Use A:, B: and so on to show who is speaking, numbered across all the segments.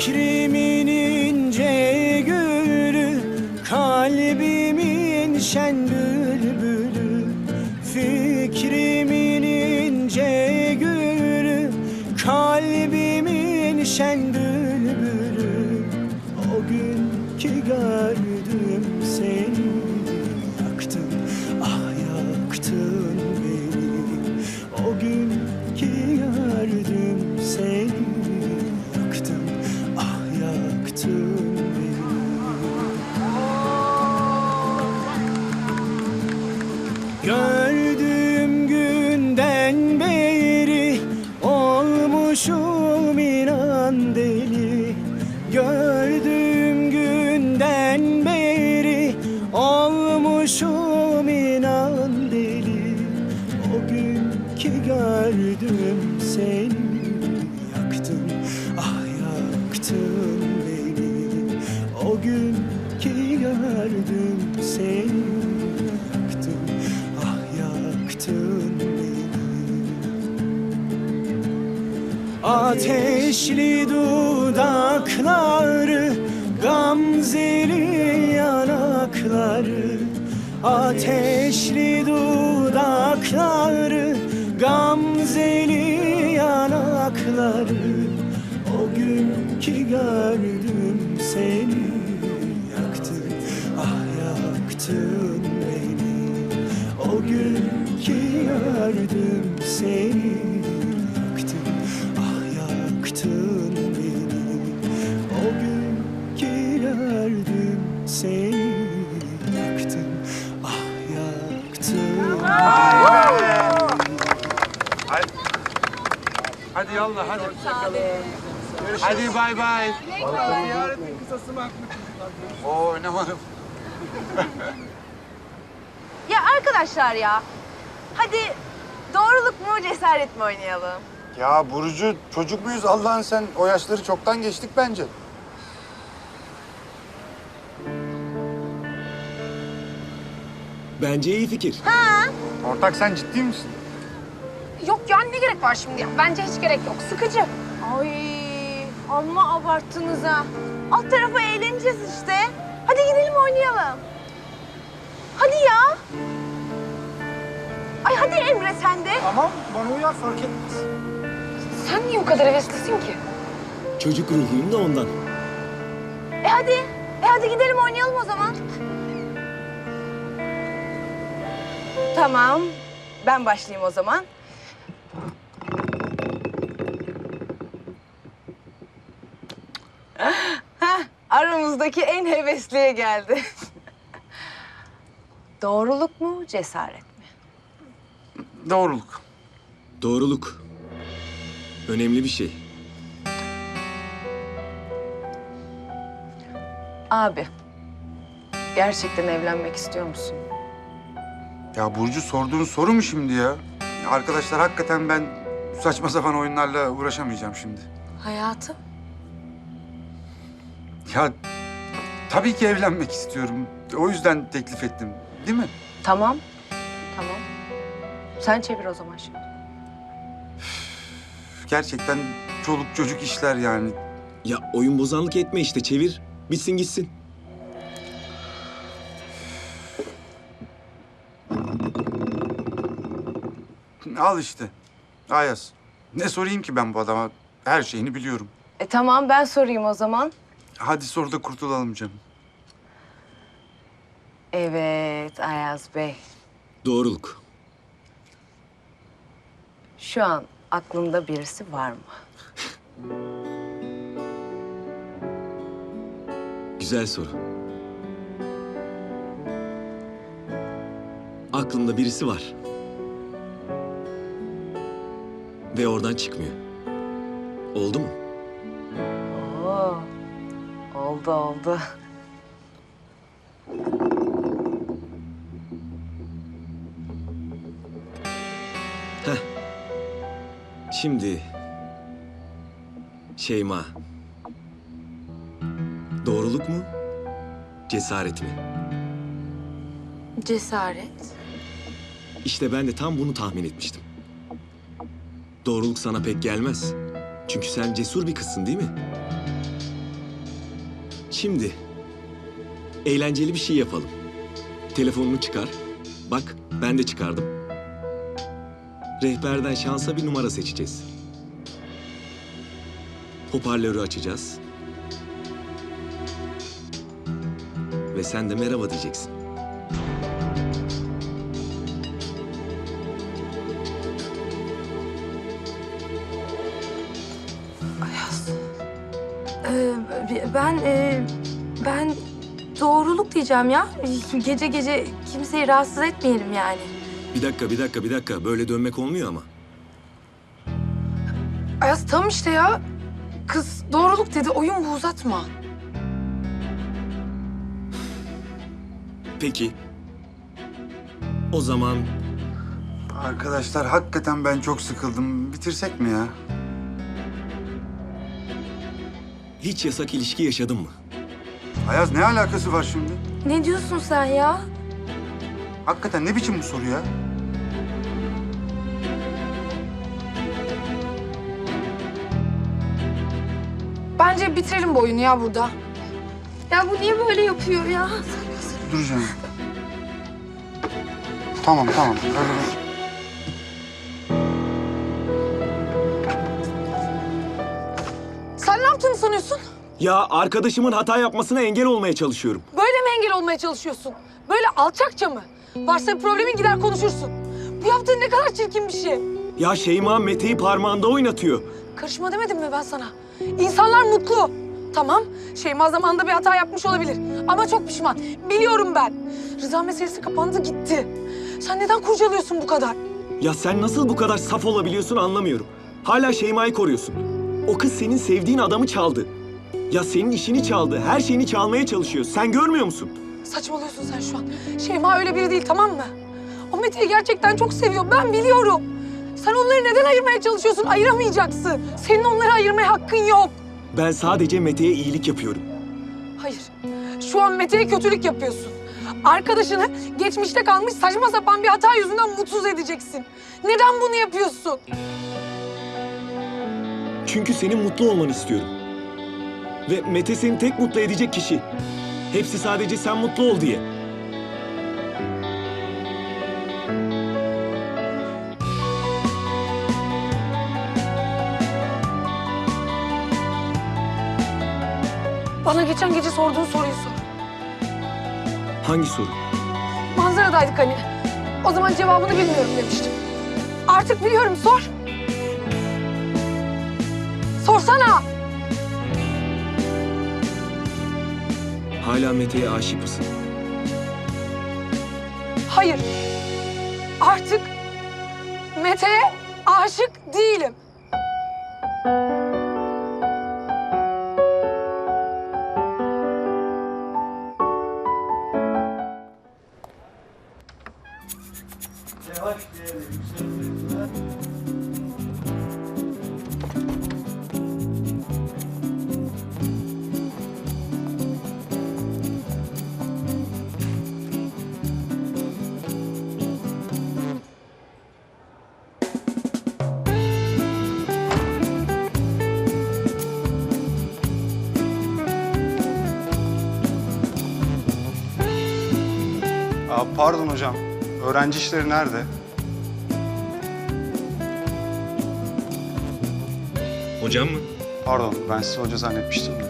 A: Fikrimin ince gülü, kalbimin şen bülbülü. Fikrimin ince gülü, kalbimin şen bülbülü. O gün ki gördüm seni, yaktın, ah yaktın beni. O gün ki gördüm seni, yaktın, ah yaktın beni. Gördüğüm günden beri olmuşum inan deli. Gördüğüm günden beri olmuşum inan deli. O gün ki gördüm seni, yaktın, ah yaktın beni. O gün ki gördüm seni, yaktın, ah yaktın beni. Ateşli dudakları, gamzeli yanakları. Ateşli dudakları, gamzeli yanakları. O gün ki gördüm seni, yaktın, ah yaktın beni. O gün ki gördüm seni, yaktın, ah yaktın beni. O gün ki gördüm seni, yaktın, ah yaktın.
B: Hadi yallah hadi. Hadi bay bay. Ziyaretin kısası mı? Oo oynamadım.
C: Ya arkadaşlar ya. Hadi doğruluk mu cesaret mi oynayalım?
B: Ya Burcu çocuk muyuz Allah'ın sen? O yaşları çoktan geçtik bence.
A: Bence iyi fikir.
B: Ortak sen ciddi misin?
D: Yok ya ne gerek var şimdi ya? Bence hiç gerek yok. Sıkıcı.
C: Ay amma abarttınız ha. Alt tarafa eğleneceğiz işte. Hadi gidelim oynayalım. Hadi ya. Ay hadi Emre sen de.
B: Tamam bana uyar fark etmez.
D: Sen niye o kadar heveslisin ki?
A: Çocuk ruhuyum da ondan.
C: Hadi. Hadi gidelim oynayalım o zaman. Tamam. Ben başlayayım o zaman. Heh, aramızdaki en hevesliye geldi. Doğruluk mu, cesaret mi?
B: Doğruluk.
A: Doğruluk. Önemli bir şey.
C: Abi, gerçekten evlenmek istiyor musun?
B: Ya Burcu sorduğun soru mu şimdi ya? Arkadaşlar hakikaten ben saçma sapan oyunlarla uğraşamayacağım şimdi.
C: Hayatım?
B: Ya tabii ki evlenmek istiyorum. O yüzden teklif ettim. Değil mi?
C: Tamam. Tamam. Sen çevir o zaman şimdi.
B: Gerçekten çoluk çocuk işler yani.
A: Ya oyun bozanlık etme işte, çevir. Bitsin gitsin.
B: Al işte. Ayaz. Ne sorayım ki ben bu adama? Her şeyini biliyorum.
C: Tamam ben sorayım o zaman.
B: Hadi sor da kurtulalım canım.
C: Evet Ayaz Bey.
A: Doğruluk.
C: Şu an aklında birisi var mı?
A: Güzel soru. Aklımda birisi var. Ve oradan çıkmıyor. Oldu mu?
C: Oo. Oldu oldu.
A: Heh. Şimdi Şeyma. Doğruluk mu? Cesaret mi?
D: Cesaret.
A: İşte ben de tam bunu tahmin etmiştim. Doğruluk sana pek gelmez. Çünkü sen cesur bir kızsın değil mi? Şimdi eğlenceli bir şey yapalım. Telefonunu çıkar. Bak ben de çıkardım. Rehberden şansa bir numara seçeceğiz. Hoparlörü açacağız. Ve sen de merhaba diyeceksin.
E: Ben doğruluk diyeceğim ya. Gece gece kimseyi rahatsız etmeyelim yani.
A: Bir dakika. Böyle dönmek olmuyor ama.
D: Ayaz tam işte ya. Kız doğruluk dedi, oyun bu, uzatma.
A: Peki. O zaman
B: Arkadaşlar hakikaten ben çok sıkıldım. Bitirsek mi ya?
A: hiç yasak ilişki yaşadın mı?
B: Ayaz ne alakası var şimdi?
E: Ne diyorsun sen ya?
B: Hakikaten ne biçim bu soru ya?
D: Bence bitirelim bu oyunu ya burada.
E: Ya bu niye böyle yapıyor ya?
B: Duracağım. Tamam. Öyle
D: Sen ne yaptığını sanıyorsun?
A: Ya arkadaşımın hata yapmasına engel olmaya çalışıyorum.
D: Böyle mi engel olmaya çalışıyorsun? Böyle alçakça mı? Varsa bir problemin gider konuşursun. Bu yaptığın ne kadar çirkin bir şey.
A: Ya Şeyma Mete'yi parmağında oynatıyor.
D: Karışma demedim mi ben sana? İnsanlar mutlu. Tamam, Şeyma zamanında bir hata yapmış olabilir. Ama çok pişman. Biliyorum ben. Rıza meselesi kapandı gitti. Sen neden kurcalıyorsun bu kadar?
A: Ya sen nasıl bu kadar saf olabiliyorsun anlamıyorum. Hala Şeyma'yı koruyorsun. O kız senin sevdiğin adamı çaldı. Ya senin işini çaldı, her şeyini çalmaya çalışıyor. Sen görmüyor musun?
D: Saçmalıyorsun sen şu an. Şeyma öyle biri değil, tamam mı? O Mete'yi gerçekten çok seviyor, ben biliyorum. Sen onları neden ayırmaya çalışıyorsun? Ayıramayacaksın. Senin onları ayırmaya hakkın yok.
A: Ben sadece Mete'ye iyilik yapıyorum.
D: Hayır, şu an Mete'ye kötülük yapıyorsun. Arkadaşını geçmişte kalmış saçma sapan bir hata yüzünden mutsuz edeceksin. Neden bunu yapıyorsun?
A: Çünkü senin mutlu olmanı istiyorum. Ve Mete seni tek mutlu edecek kişi. Hepsi sadece sen mutlu ol diye.
D: Bana geçen gece sorduğun soruyu sor.
A: Hangi soru?
D: Manzaradaydık hani. O zaman cevabını bilmiyorum demiştim. Artık biliyorum, sor. Sorsana.
A: Hala Mete'ye aşık mısın?
D: Hayır. Artık Mete'ye aşık değilim.
F: Pardon hocam, öğrenci işleri nerede?
A: Hocam mı?
F: Pardon, ben sizi hoca zannetmiştim de.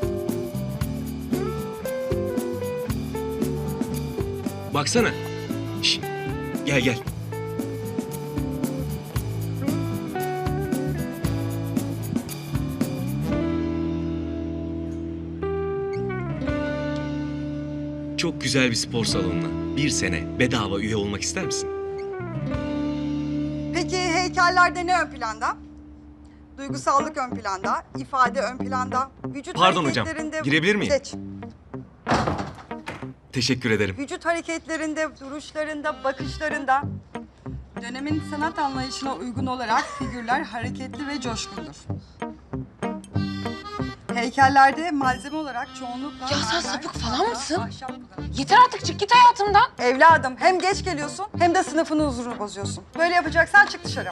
A: Baksana. Şş, gel. Çok güzel bir spor salonuna 1 sene bedava üye olmak ister misin?
G: Peki heykellerde ne ön planda? Duygusallık ön planda, ifade ön planda, vücut
A: Pardon hocam,
G: hareketlerinde...
A: girebilir miyim?
G: Geç.
A: Teşekkür ederim.
G: Vücut hareketlerinde, duruşlarında, bakışlarında... Dönemin sanat anlayışına uygun olarak figürler hareketli ve coşkundur. Heykellerde malzeme olarak çoğunlukla...
D: Ya sen
G: mermer,
D: sapık falan
G: tahta,
D: mısın?
G: ahşap kullanılır.
D: Yeter artık, çık git hayatımdan.
G: Evladım hem geç geliyorsun hem de sınıfının huzurunu bozuyorsun. Böyle yapacaksan çık dışarı.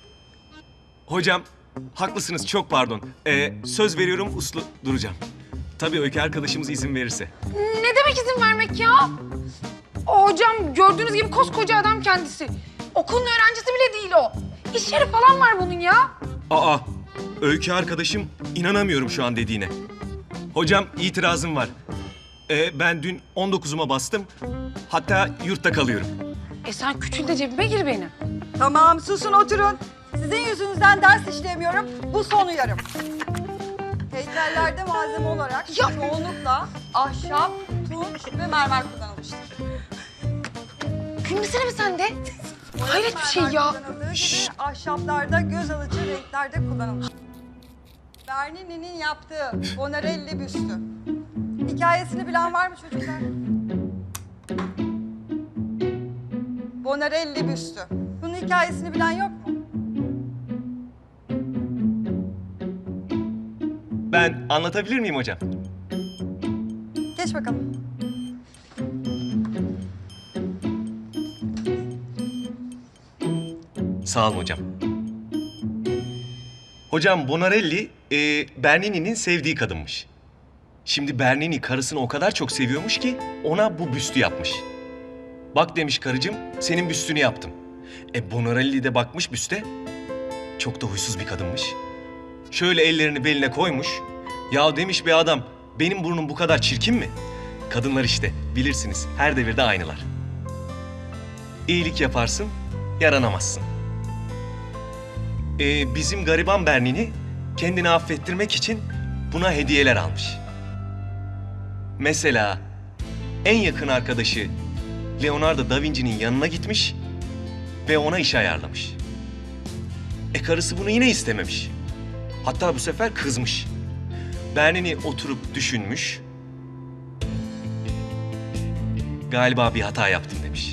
A: Hocam, haklısınız çok pardon. Söz veriyorum uslu duracağım. Tabii Öykü arkadaşımız izin verirse.
D: Ne demek izin vermek ya? O hocam gördüğünüz gibi koskoca adam kendisi. Okulun öğrencisi bile değil o. İş yeri falan var bunun ya.
A: Aa, Öykü arkadaşım inanamıyorum şu an dediğine. Hocam itirazım var. Ben dün 19'uma bastım. Hatta yurtta kalıyorum.
D: Sen küçül de cebime gir benim.
G: Tamam susun oturun. Sizin yüzünüzden ders işleyemiyorum. Bu son uyarım. Heykellerde malzeme olarak çoğunlukla ahşap, tunç ve mermer kullanılmıştır.
D: Gülmesene mi sen de? Hayret bir şey ya.
G: Kullanıldığı gibi ahşaplarda göz alıcı renklerde kullanılmış. Bernini'nin yaptığı Bonarelli büstü. Hikayesini bilen var mı çocuklar? Bonarelli büstü. Bunun hikayesini bilen yok mu?
A: Ben anlatabilir miyim hocam?
G: Geç bakalım.
A: Sağ olun hocam. Hocam Bonarelli, Bernini'nin sevdiği kadınmış. Şimdi Bernini karısını o kadar çok seviyormuş ki ona bu büstü yapmış. Bak demiş karıcığım, senin büstünü yaptım. Bonarelli de bakmış büste. Çok da huysuz bir kadınmış. Şöyle ellerini beline koymuş. Ya demiş be adam, benim burnum bu kadar çirkin mi? Kadınlar işte, bilirsiniz her devirde aynılar. İyilik yaparsın, yaranamazsın. Bizim gariban Bernini kendini affettirmek için buna hediyeler almış. Mesela en yakın arkadaşı Leonardo da Vinci'nin yanına gitmiş ve ona iş ayarlamış. Karısı bunu yine istememiş. Hatta bu sefer kızmış. Bernini oturup düşünmüş. Galiba bir hata yaptım demiş.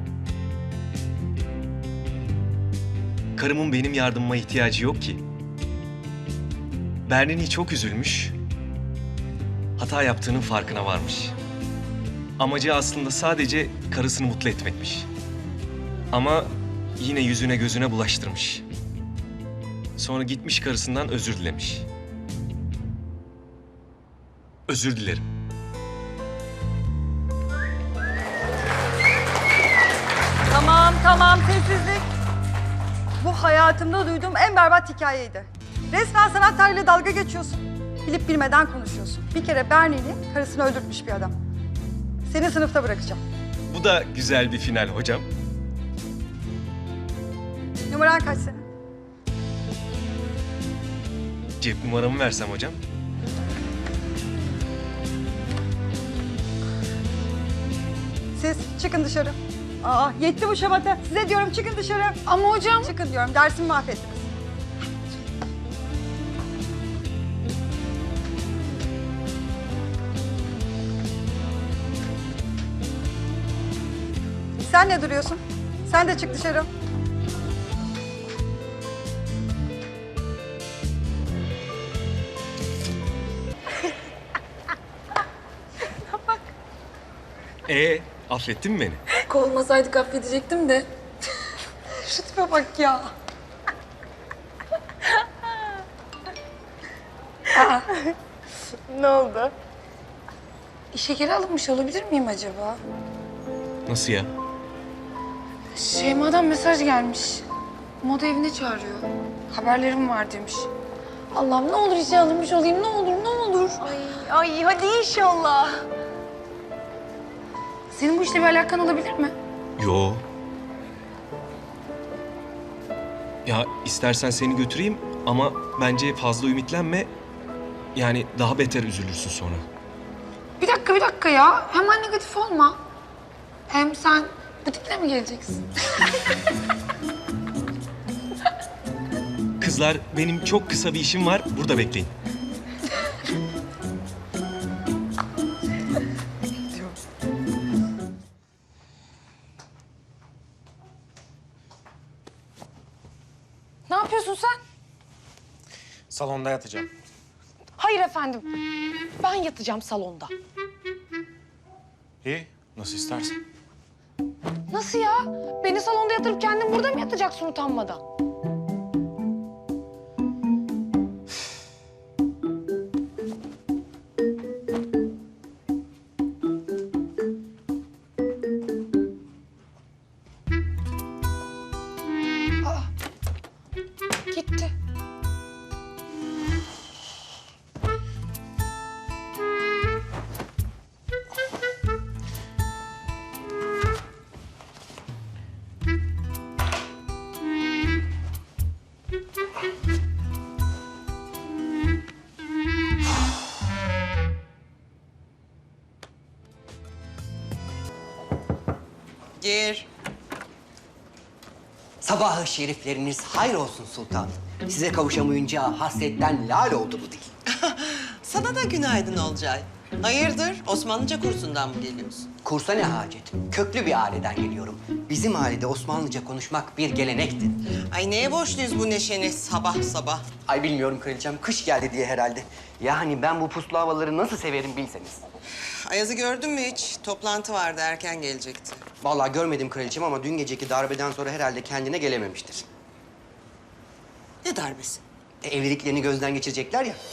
A: Karımın benim yardımıma ihtiyacı yok ki. Bernini çok üzülmüş. Hata yaptığının farkına varmış. Amacı aslında sadece karısını mutlu etmekmiş. Ama yine yüzüne gözüne bulaştırmış. Sonra gitmiş karısından özür dilemiş. Özür dilerim.
G: Tamam sessizlik. Bu hayatımda duyduğum en berbat hikayeydi. Resmen sanat tarihiyle dalga geçiyorsun. Bilip bilmeden konuşuyorsun. Bir kere Bernini karısını öldürtmüş bir adam. Seni sınıfta bırakacağım.
A: Bu da güzel bir final hocam.
G: Numaran kaç senin?
A: Cep numaramı versem hocam.
G: Siz çıkın dışarı. Aa yetti bu şamata. Size diyorum çıkın dışarı.
D: Ama hocam...
G: Çıkın diyorum. Dersimi mahvettiniz. Sen ne duruyorsun? Sen de çık dışarı.
A: Affettin mi beni?
D: Kovulmasaydık affedecektim de. Şu tipe bak ya.
C: Ne oldu?
D: İşe geri alınmış olabilir miyim acaba?
A: Nasıl ya?
D: Şeyma'dan mesaj gelmiş. Moda evine çağırıyor. Haberlerim var demiş. Allah'ım ne olur işe alınmış olayım, ne olur, ne olur.
C: Ay hadi inşallah.
D: Senin bu işle bir alakan olabilir mi?
A: Yo. Ya istersen seni götüreyim ama bence fazla ümitlenme. Yani daha beter üzülürsün sonra.
D: Bir dakika ya. Hemen negatif olma. Hem sen bu tiple mi geleceksin?
A: Kızlar benim çok kısa bir işim var. Burada bekleyin.
D: Ne yapıyorsun sen?
H: Salonda yatacağım.
D: Hayır efendim. Ben yatacağım salonda.
H: İyi, nasıl istersen.
D: Nasıl ya? Beni salonda yatırıp kendin burada mı yatacaksın utanmadan?
I: Gir.
J: Sabahı şerifleriniz hayır olsun sultanım. Size kavuşamayınca hasretten lal oldu bu dil.
I: Sana da günaydın Olcay. Hayırdır? Osmanlıca kursundan mı geliyorsun?
J: Kursa ne hacet? Köklü bir aileden geliyorum. Bizim ailede Osmanlıca konuşmak bir gelenekti.
I: Ay neye borçluyuz bu neşeni sabah sabah?
J: Ay bilmiyorum kraliçem, kış geldi diye herhalde. Yani ben bu puslu havaları nasıl severim bilseniz.
I: Ayaz'ı gördün mü hiç? Toplantı vardı, erken gelecekti.
J: Vallahi görmedim kraliçem ama dün geceki darbeden sonra herhalde kendine gelememiştir.
I: Ne darbesi?
J: Evliliklerini gözden geçirecekler ya.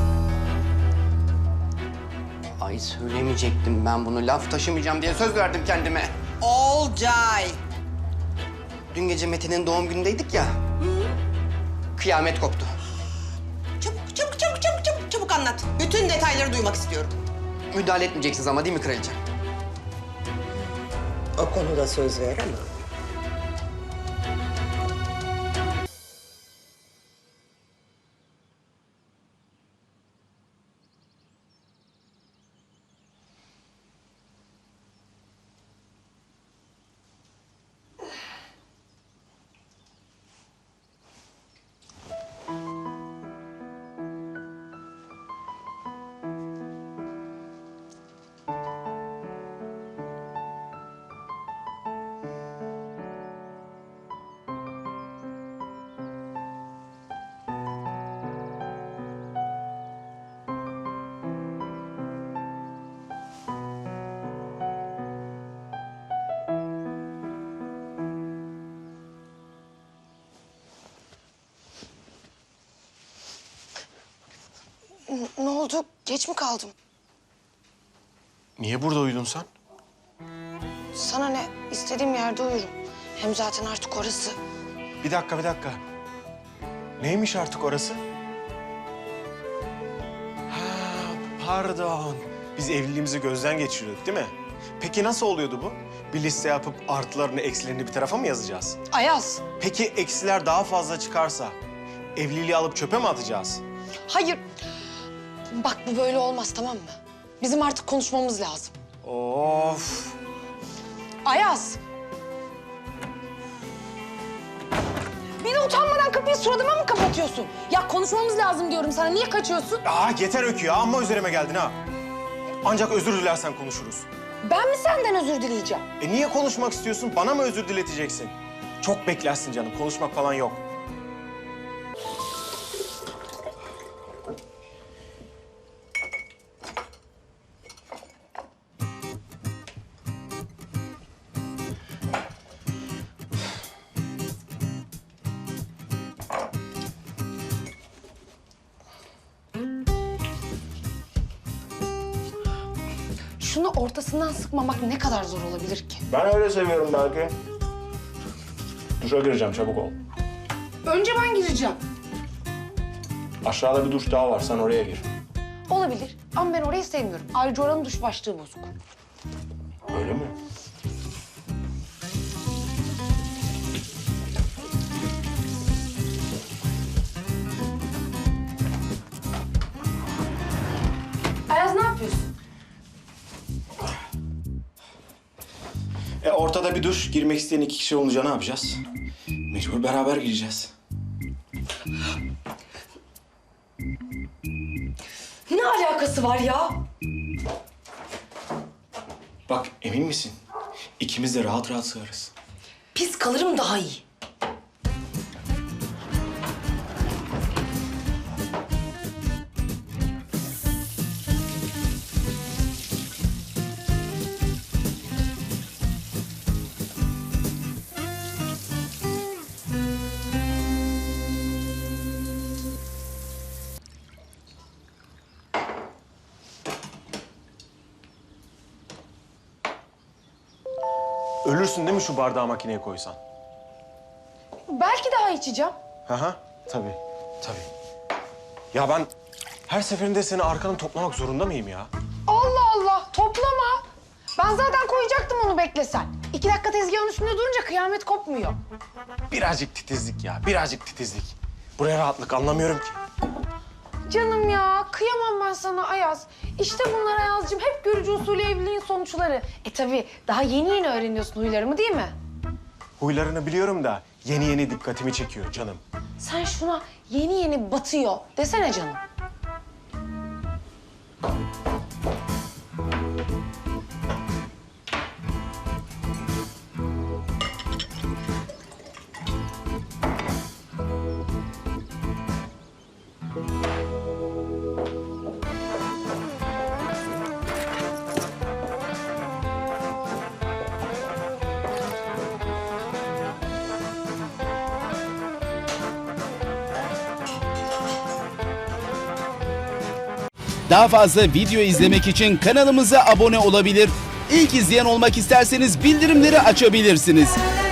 J: Ay söylemeyecektim ben bunu. Laf taşımayacağım diye söz verdim kendime.
I: Olcay!
J: Dün gece Mete'nin doğum günündeydik ya. Kıyamet koptu.
I: Çabuk anlat. Bütün detayları duymak istiyorum.
J: Müdahale etmeyeceksiniz ama değil mi kraliçem?
I: O konuda söz veremem.
D: Ne oldu? Geç mi kaldım?
H: Niye burada uyudun sen?
D: Sana ne? İstediğim yerde uyurum. Hem zaten artık orası.
H: Bir dakika. Neymiş artık orası? Ha, pardon. Biz evliliğimizi gözden geçiriyorduk değil mi? Peki nasıl oluyordu bu? Bir liste yapıp artılarını, eksilerini bir tarafa mı yazacağız?
D: Ayaz.
H: Peki eksiler daha fazla çıkarsa evliliği alıp çöpe mi atacağız?
D: Hayır. Bak bu böyle olmaz, tamam mı? Bizim artık konuşmamız lazım.
H: Of.
D: Ayaz. Bir de utanmadan kapıyı suratıma mı kapatıyorsun? Ya konuşmamız lazım diyorum sana. Niye kaçıyorsun?
H: Yeter Öykü ya. Amma üzerime geldin ha. Ancak özür dilersen konuşuruz.
D: Ben mi senden özür dileyeceğim?
H: Niye konuşmak istiyorsun? Bana mı özür dileteceksin? Çok beklersin canım. Konuşmak falan yok.
D: Şunu ortasından sıkmamak ne kadar zor olabilir ki?
H: Ben öyle seviyorum belki. Duşa gireceğim, çabuk ol.
D: Önce ben gireceğim.
H: Aşağıda bir duş daha var, sen oraya gir.
D: Olabilir ama ben orayı sevmiyorum. Ayrıca oranın duş başlığı bozuk.
H: Öyle mi?
D: Ayaz ne yapıyorsun?
H: Ortada bir duş, girmek isteyen 2 kişi olunca ne yapacağız? Mecbur beraber gireceğiz.
D: Ne alakası var ya?
H: Bak, emin misin? İkimiz de rahat rahat sığarız.
D: Pis kalırım daha iyi.
H: Ölürsün değil mi şu bardağı makineye koysan?
D: Belki daha içeceğim.
H: Hı, tabii. Ya ben her seferinde seni arkanı toplamak zorunda mıyım ya?
D: Allah Allah, toplama. Ben zaten koyacaktım onu beklesen. 2 dakika tezgahın üstünde durunca kıyamet kopmuyor.
H: Birazcık titizlik ya, birazcık titizlik. Buraya rahatlık, anlamıyorum ki.
D: Canım ya, kıyamam ben sana Ayaz. İşte bunlar Ayaz'cığım, hep görücü usulü evliliğin sonuçları. Tabii daha yeni yeni öğreniyorsun huylarımı değil mi?
H: Huylarını biliyorum da yeni yeni dikkatimi çekiyor canım.
D: Sen şuna yeni yeni batıyor desene canım.
K: Daha fazla video izlemek için kanalımıza abone olabilir. İlk izleyen olmak isterseniz bildirimleri açabilirsiniz.